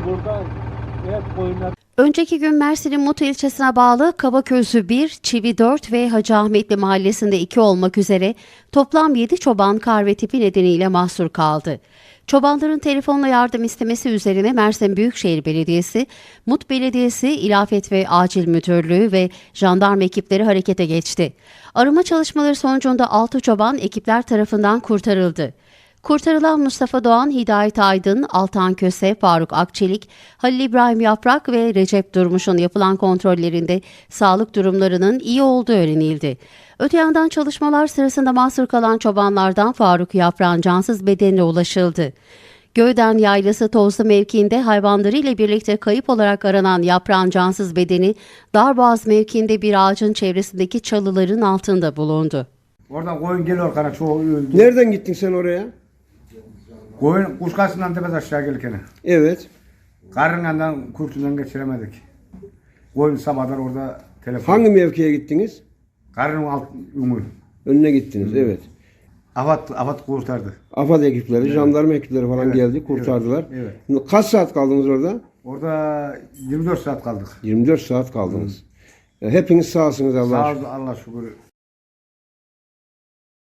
burada hep koyunlar. Önceki gün Mersin'in Mutu ilçesine bağlı Kabaközü 1, Çivi 4 ve Hacı Ahmetli mahallesinde 2 olmak üzere toplam 7 çoban kar ve tipi nedeniyle mahsur kaldı. Çobanların telefonla yardım istemesi üzerine Mersin Büyükşehir Belediyesi, Mut Belediyesi, İlafet ve Acil Müdürlüğü ve jandarma ekipleri harekete geçti. Arama çalışmaları sonucunda 6 çoban ekipler tarafından kurtarıldı. Kurtarılan Mustafa Doğan, Hidayet Aydın, Altan Köse, Faruk Akçelik, Halil İbrahim Yaprak ve Recep Durmuş'un yapılan kontrollerinde sağlık durumlarının iyi olduğu öğrenildi. Öte yandan çalışmalar sırasında mahsur kalan çobanlardan Faruk Yaprak'ın cansız bedenine ulaşıldı. Göğden Yaylası Tozlu mevkiinde hayvanlarıyla birlikte kayıp olarak aranan Yaprak'ın cansız bedeni Darboğaz mevkiinde bir ağacın çevresindeki çalıların altında bulundu. Oradan koyun geliyor kana çoğu öldü. Nereden gittin sen oraya? Koyun kuşkasından tepesi aşağı gelirken. Evet. Karınından kurtuldan geçiremedik. Koyun sabahlar orada telefon. Hangi mevkiye gittiniz? Karının alt yumu. Önüne gittiniz, evet. Afat kurtardı. AFAD ekipleri, jandarma ekipleri falan Evet, geldi, kurtardılar. evet. Kaç saat kaldınız orada? Orada 24 saat kaldık. 24 saat kaldınız. Hepiniz sağsınız Allah'a Sağ şükür. ol Allah şükür.